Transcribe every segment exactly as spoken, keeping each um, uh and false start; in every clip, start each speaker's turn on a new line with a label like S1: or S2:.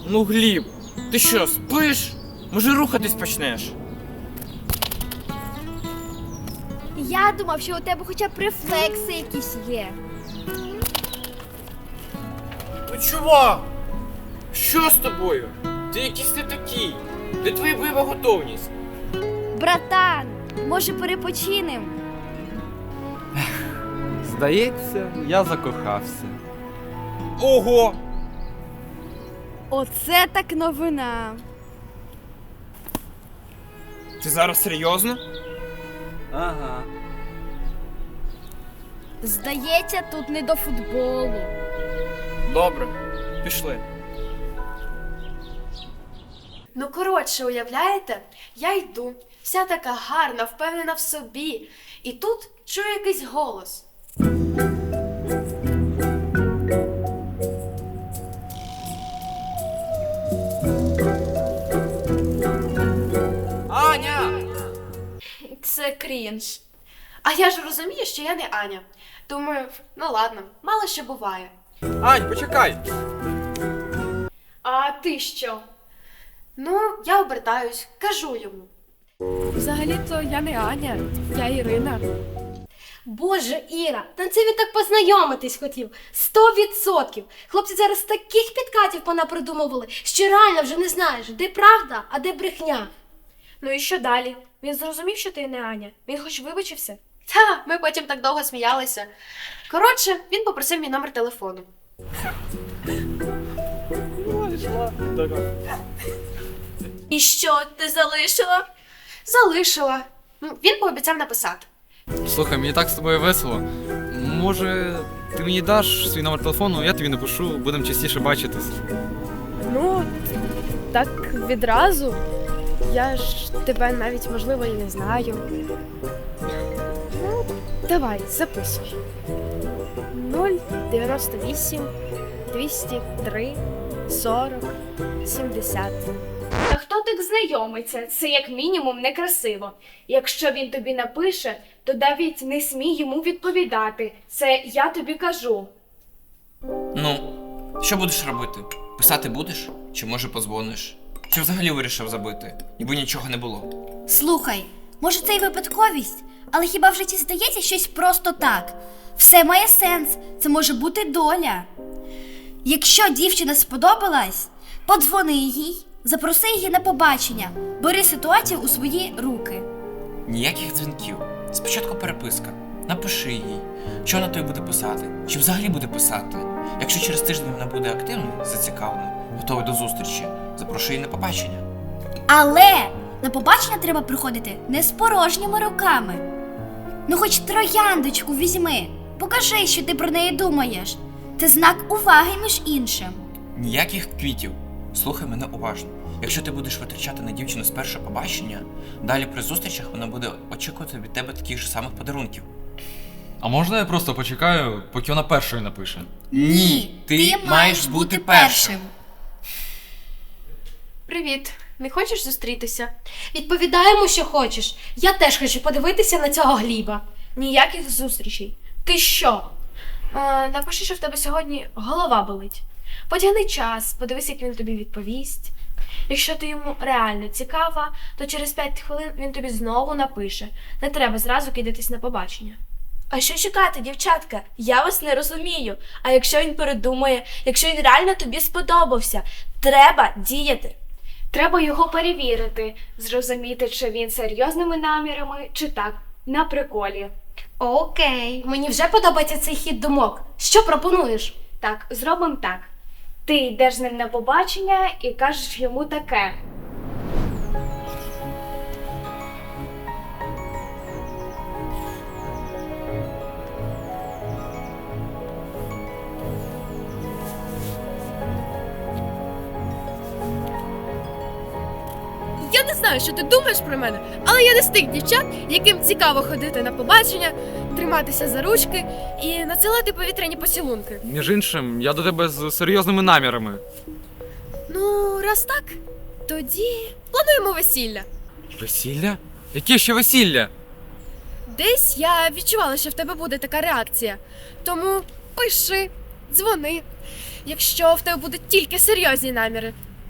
S1: Ну, Гліб, ти що, спиш? Може, рухатись почнеш?
S2: Я думав, що у тебе хоча б рефлекси якісь є.
S1: Ну, чувак! Що з тобою? Ти якийсь не такий. Де твоя бойова готовність?
S2: Братан, може перепочинем?
S3: Здається, я закохався.
S1: Ого!
S2: Оце так новина.
S1: Ти зараз серйозно?
S3: Ага.
S2: Здається, тут не до футболу.
S1: Добре, пішли.
S4: Ну, коротше, уявляєте? Я йду, вся така гарна, впевнена в собі. І тут чую якийсь голос.
S1: Аня!
S4: Це крінж. А я ж розумію, що я не Аня. Думаю, ну ладно, мало що буває.
S1: Ань, почекай!
S4: А ти що? Ну, я обертаюсь, кажу йому.
S5: Взагалі-то я не Аня, я Ірина.
S6: Боже, Іра, та це він так познайомитись хотів. Сто відсотків. Хлопці зараз таких підкатів понапридумували, що реально вже не знаєш, де правда, а де брехня.
S5: Ну і що далі? Він зрозумів, що ти не Аня? Він хоч вибачився?
S4: Та, ми потім так довго сміялися. Коротше, він попросив мій номер телефону.
S6: І що, ти залишила?
S4: Залишила. Ну, він пообіцяв написати.
S3: Слухай, мені так з тобою весело. Може, ти мені даш свій номер телефону, я тобі напишу, будемо частіше бачитись.
S5: Ну, так відразу. Я ж тебе навіть, можливо, і не знаю. Ну, давай, записуй. нуль дев'яносто вісім двісті три сорок сімдесят.
S7: Та хто так знайомиться? Це як мінімум некрасиво. Якщо він тобі напише, то навіть не смій йому відповідати. Це я тобі кажу.
S1: Ну, що будеш робити? Писати будеш? Чи може подзвониш? Чи взагалі вирішив забити? Ніби нічого не було.
S2: Слухай, може це й випадковість, але хіба в житті здається щось просто так? Все має сенс, це може бути доля. Якщо дівчина сподобалась, подзвони їй, запроси її на побачення, бери ситуацію у свої руки.
S1: Ніяких дзвінків. Спочатку переписка. Напиши їй, що вона тобі буде писати, чи взагалі буде писати. Якщо через тиждень вона буде активною, зацікавленою, готова до зустрічі, запрошуй її на побачення.
S2: Але на побачення треба приходити не з порожніми руками. Ну хоч трояндочку візьми, покажи, що ти про неї думаєш. Це знак уваги між іншим.
S1: Ніяких квітів. Слухай мене уважно. Якщо ти будеш витрачати на дівчину з першого побачення, далі при зустрічах вона буде очікувати від тебе таких же самих подарунків.
S3: А можна я просто почекаю, поки вона першою напише?
S1: Ні, ти маєш бути першим.
S4: Привіт, не хочеш зустрітися?
S6: Відповідаємо, що хочеш. Я теж хочу подивитися на цього Гліба.
S5: Ніяких зустрічей. Ти що? А, напиши, що в тебе сьогодні голова болить. Потягни час, подивись, як він тобі відповість. Якщо ти йому реально цікава, то через п'ять хвилин він тобі знову напише. Не треба зразу кидатись на побачення.
S6: А що чекати, дівчатка? Я вас не розумію. А якщо він передумає, якщо він реально тобі сподобався, треба діяти.
S7: Треба його перевірити, зрозуміти, чи він серйозними намірами, чи так, на приколі.
S6: Окей, мені вже подобається цей хід думок. Що пропонуєш?
S7: Так, зробимо так. Ти йдеш з ним на побачення і кажеш йому таке.
S5: Я не знаю, що ти думаєш про мене, але я не з тих дівчат, яким цікаво ходити на побачення, триматися за ручки і надсилати повітряні поцілунки.
S3: Між іншим, я до тебе з серйозними намірами.
S5: Ну, раз так, тоді плануємо весілля.
S3: Весілля? Яке ще весілля?
S5: Десь я відчувала, що в тебе буде така реакція. Тому пиши, дзвони. Якщо в тебе будуть тільки серйозні наміри,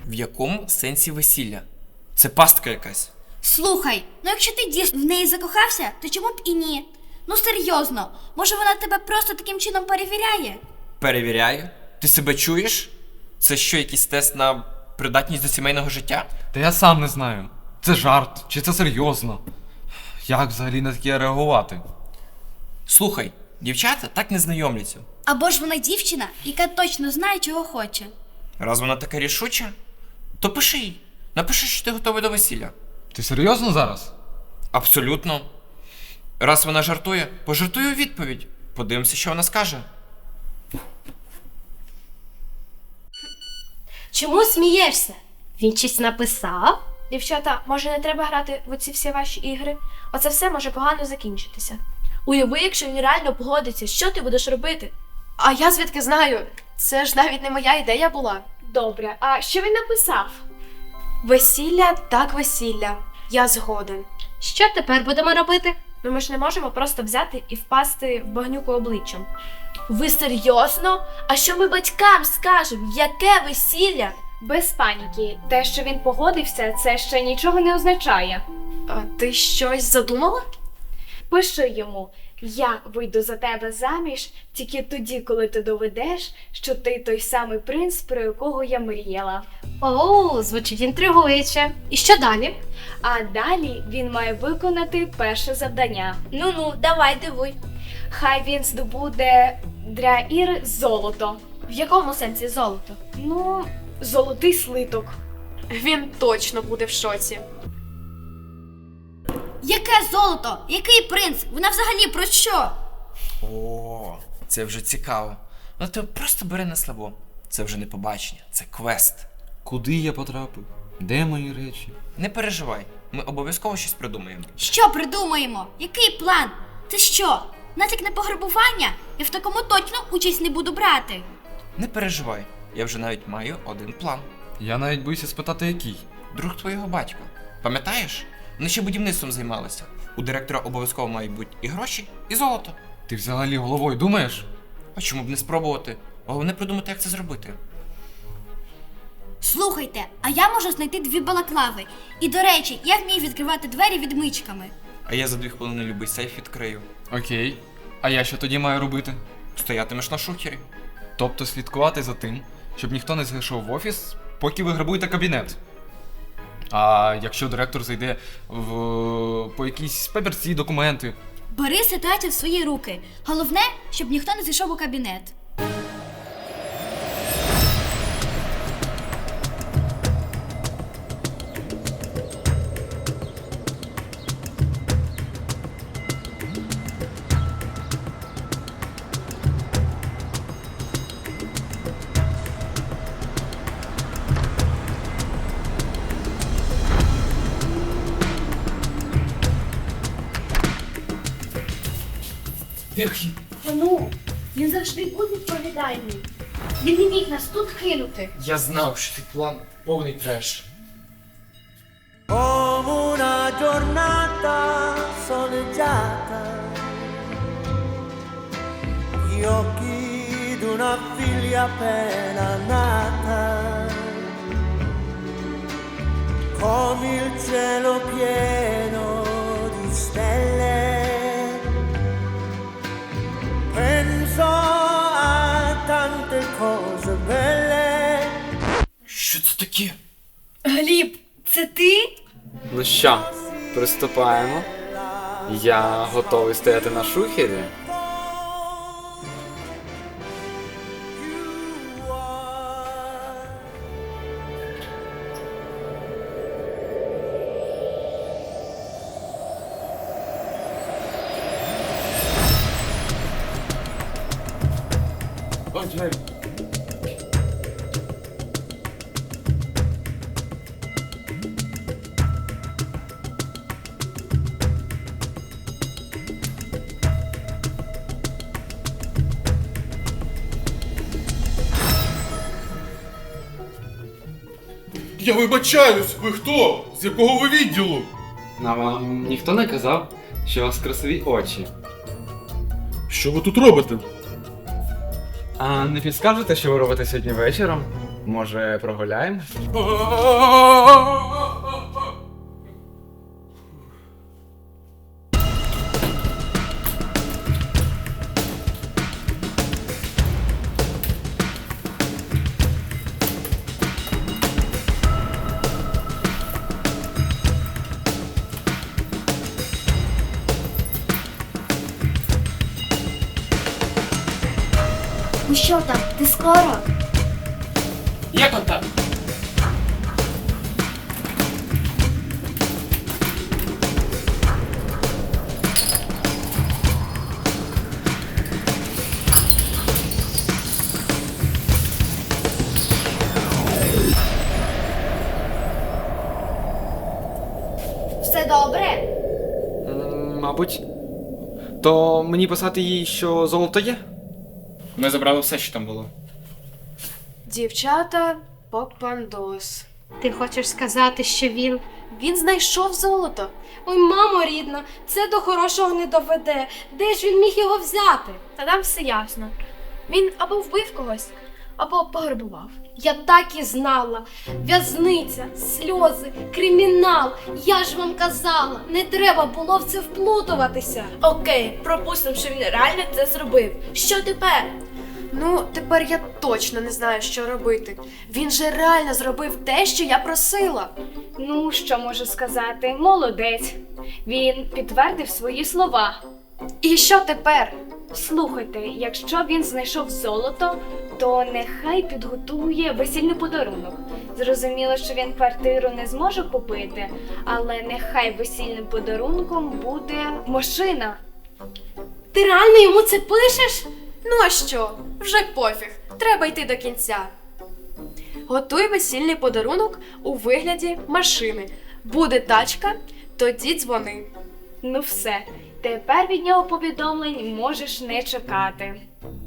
S1: В якому сенсі весілля? Це пастка якась.
S2: Слухай, ну якщо ти дійсно в неї закохався, то чому б і ні? Ну серйозно, може вона тебе просто таким чином перевіряє?
S1: Перевіряю. Ти себе чуєш? Це що, якийсь тест на придатність до сімейного життя?
S3: Та я сам не знаю. Це жарт, чи це серйозно? Як взагалі на таке реагувати?
S1: Слухай, дівчата так не знайомляться.
S2: Або ж вона дівчина, яка точно знає, чого хоче.
S1: Раз вона така рішуча, то пиши їй. Напиши, що ти готовий до весілля.
S3: Ти серйозно зараз?
S1: Абсолютно. Раз вона жартує, пожартуй у відповідь. Подивимося, що вона скаже.
S6: Чому смієшся? Він щось написав?
S5: Дівчата, може не треба грати в оці всі ваші ігри? Оце все може погано закінчитися. Уяви, якщо він реально погодиться, що ти будеш робити?
S4: А я звідки знаю? Це ж навіть не моя ідея була.
S7: Добре, а що він написав?
S4: Весілля так весілля. Я згоден.
S6: Що тепер будемо робити?
S5: Ну ми ж не можемо просто взяти і впасти в багнюку обличчям.
S7: Ви серйозно? А що ми батькам скажемо? Яке весілля? Без паніки. Те, що він погодився, це ще нічого не означає.
S4: А ти щось задумала?
S7: Пиши йому: я вийду за тебе заміж тільки тоді, коли ти доведеш, що ти той самий принц, про якого я мріяла.
S6: О, звучить інтригуюче. І що далі?
S7: А далі він має виконати перше завдання. Ну-ну, давай дивуй. Хай він здобуде для Іри золото.
S5: В якому сенсі золото?
S7: Ну, золотий слиток.
S4: Він точно буде в шоці.
S2: Яке золото? Який принц? Вона взагалі про що?
S1: О, це вже цікаво. Ну ти просто бери на слабо. Це вже не побачення, це квест.
S3: Куди я потрапив? Де мої речі?
S1: Не переживай, ми обов'язково щось придумаємо.
S2: Що придумаємо? Який план? Це що? Натяк на пограбування? Я в такому точно участь не буду брати.
S1: Не переживай, я вже навіть маю один план.
S3: Я навіть боюся спитати, який.
S1: Друг твого батька. Пам'ятаєш? Вони ще будівництвом займалися. У директора обов'язково мають бути і гроші, і золото.
S3: Ти взагалі головою думаєш?
S1: А чому б не спробувати? Головне придумати, як це зробити.
S2: Слухайте, а я можу знайти дві балаклави. І до речі, я вмію відкривати двері відмичками.
S1: А я за дві хвилини любий сейф відкрию.
S3: Окей. А я що тоді маю робити?
S1: Стоятимеш на шухері.
S3: Тобто слідкувати за тим, щоб ніхто не зайшов в офіс, поки ви грабуєте кабінет. А якщо директор зайде в по якісь папірці, документи.
S2: Бери ситуацію в свої руки. Головне, щоб ніхто не зайшов у кабінет.
S7: Ну, він завжди був відповідальний. Він не міг нас тут кинути.
S1: Я знав, що цей план повний треш.
S8: Come una giornata soleggiata, gli occhi d'una figlia appena nata, come il cielo pieno di stelle, penso a tante cose belle.
S1: Що це таке?
S2: Гліб, це ти?
S9: Ну що, приступаємо. Я готовий стояти на шухері.
S1: О, двері.
S10: Я вибачаюсь, ви хто? З якого ви відділу?
S9: А вам ніхто не казав, що у вас красиві очі.
S10: Що ви тут робите?
S9: А не підскажете, що ви робите сьогодні вечором?
S3: Може, прогуляємо?
S2: Ну що там, ти скоро?
S1: Є контакт.
S2: Все добре?
S3: М, Мабуть. То мені писати їй, що золото є?
S1: Ми забрали все, що там було.
S4: Дівчата, попандос.
S6: Ти хочеш сказати, що він.
S4: Він знайшов золото.
S6: Ой, мамо рідна, це до хорошого не доведе. Де ж він міг його взяти?
S5: Та там все ясно. Він або вбив когось, або пограбував.
S6: Я так і знала. В'язниця, сльози, кримінал. Я ж вам казала, не треба було в це вплутуватися.
S5: Окей, пропустимо, що він реально це зробив. Що тепер?
S4: Ну, тепер я точно не знаю, що робити. Він же реально зробив те, що я просила.
S7: Ну, що можу сказати? Молодець. Він підтвердив свої слова.
S4: І що тепер?
S7: Слухайте, якщо він знайшов золото, то нехай підготує весільний подарунок. Зрозуміло, що він квартиру не зможе купити, але нехай весільним подарунком буде машина.
S6: Ти реально йому це пишеш?
S4: Ну а що? Вже пофіг. Треба йти до кінця. Готуй весільний подарунок у вигляді машини. Буде тачка, тоді дзвони.
S7: Ну все, тепер від нього повідомлень можеш не чекати.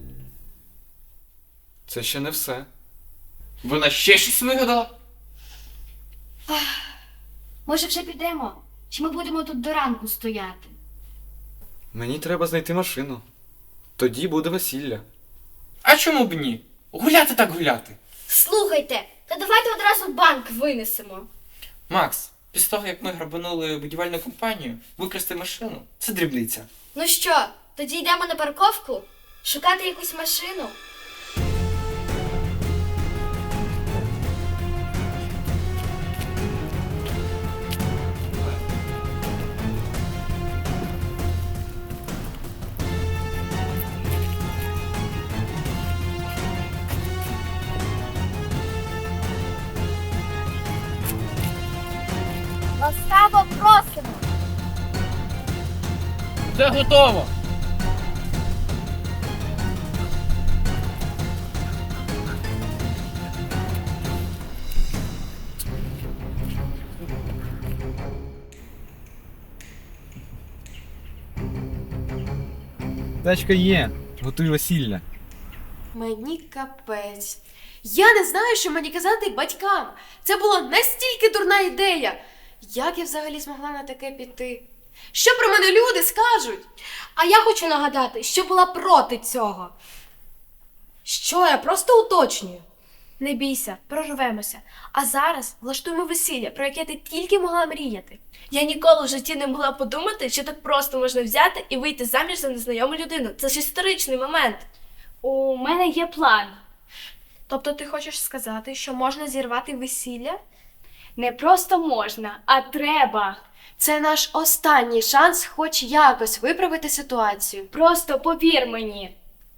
S3: Це ще не все.
S1: Вона ще щось вигадала?
S2: Може вже підемо? Чи ми будемо тут до ранку стояти?
S3: Мені треба знайти машину. Тоді буде весілля.
S1: А чому б ні? Гуляти так гуляти.
S2: Слухайте, та давайте одразу банк винесемо.
S1: Макс, після того, як ми грабанули будівельну компанію, викрасти машину – це дрібниця.
S2: Ну що, тоді йдемо на парковку? Шукати якусь машину? Ласкаво просимо!
S1: Все готово!
S3: Тачка є. Готуй весілля.
S4: Мені капець. Я не знаю, що мені казати батькам. Це була настільки дурна ідея. Як я взагалі змогла на таке піти? Що про мене люди скажуть?
S6: А я хочу нагадати, що була проти цього. Що, я просто уточнюю.
S5: Не бійся, прорвемося. А зараз влаштуємо весілля, про яке ти тільки могла мріяти. Я ніколи в житті не могла подумати, що так просто можна взяти і вийти заміж за незнайому людину. Це ж історичний момент.
S7: У мене є план.
S5: Тобто ти хочеш сказати, що можна зірвати весілля?
S7: Не просто можна, а треба.
S4: Це наш останній шанс хоч якось виправити ситуацію.
S7: Просто повір мені.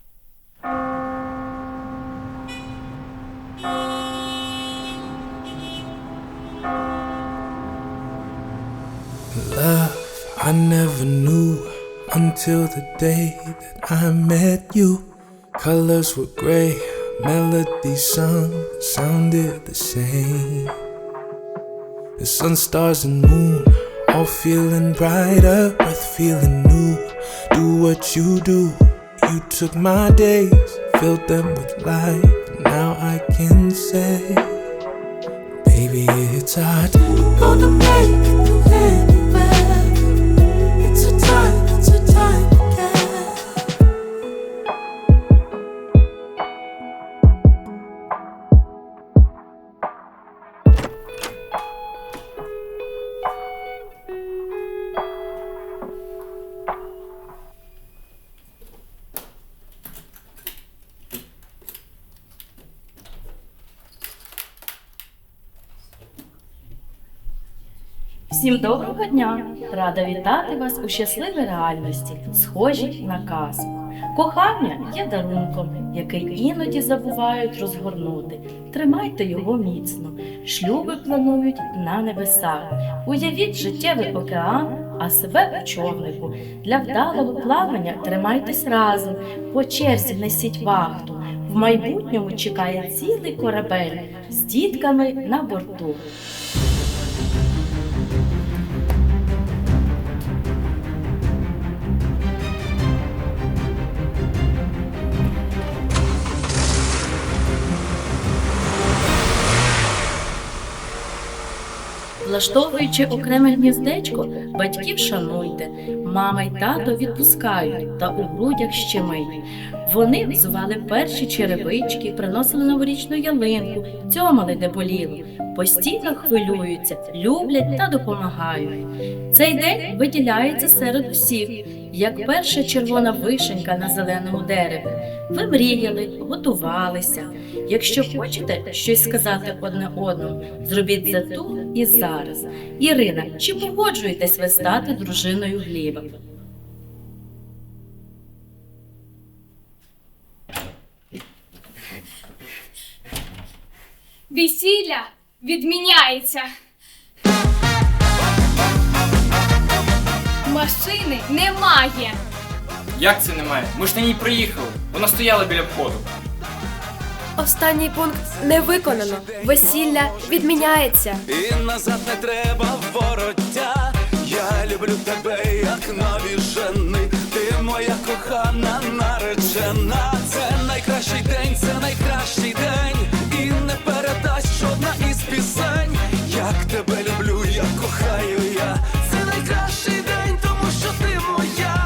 S8: Love I never knew until the day that I met you. Colors were gray, melodies sung sounded the same. The sun, stars and moon all feeling brighter, breath feeling new. Do what you do. You took my days, filled them with light. Now I can say, baby, it's our time. Gonna make it through anywhere. It's a time, it's a time again.
S11: Всім доброго дня! Рада вітати вас у щасливій реальності, схожій на казку. Кохання є дарунком, який іноді забувають розгорнути. Тримайте його міцно. Шлюби планують на небесах. Уявіть життєвий океан, а себе у човнику. Для вдалого плавання тримайтесь разом, по черзі несіть вахту. В майбутньому чекає цілий корабель з дітками на борту. Влаштовуючи окреме гніздечко, батьків шануйте, мама й тато відпускають та у грудях щемить. Вони взували перші черевички, приносили новорічну ялинку, цьомали де боліло, постійно хвилюються, люблять та допомагають. Цей день виділяється серед усіх, як перша червона вишенька на зеленому дереві. Ви мріяли, готувалися. Якщо хочете щось сказати одне одному, зробіть це тут і зараз. Ірина, чи погоджуєтесь ви стати дружиною Гліба?
S5: Весілля відміняється. Машини немає.
S1: Як це немає? Ми ж на ній приїхали. Вона стояла біля входу.
S4: Останній пункт не виконано. Весілля відміняється.
S12: І назад не треба вороття. Я люблю тебе, як нові жени. Ти моя кохана наречена. Це найкращий день, це найкращий день. І не передасть жодна із пісень. Як тебе люблю, як кохаю я. Це найкращий день, тому що ти моя.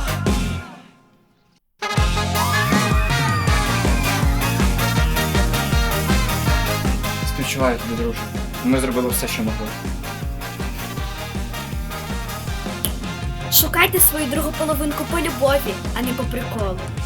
S3: Співчуваю тобі, друже. Ми зробили все, що могли.
S2: Шукайте свою другу половинку по любові, а не по приколу.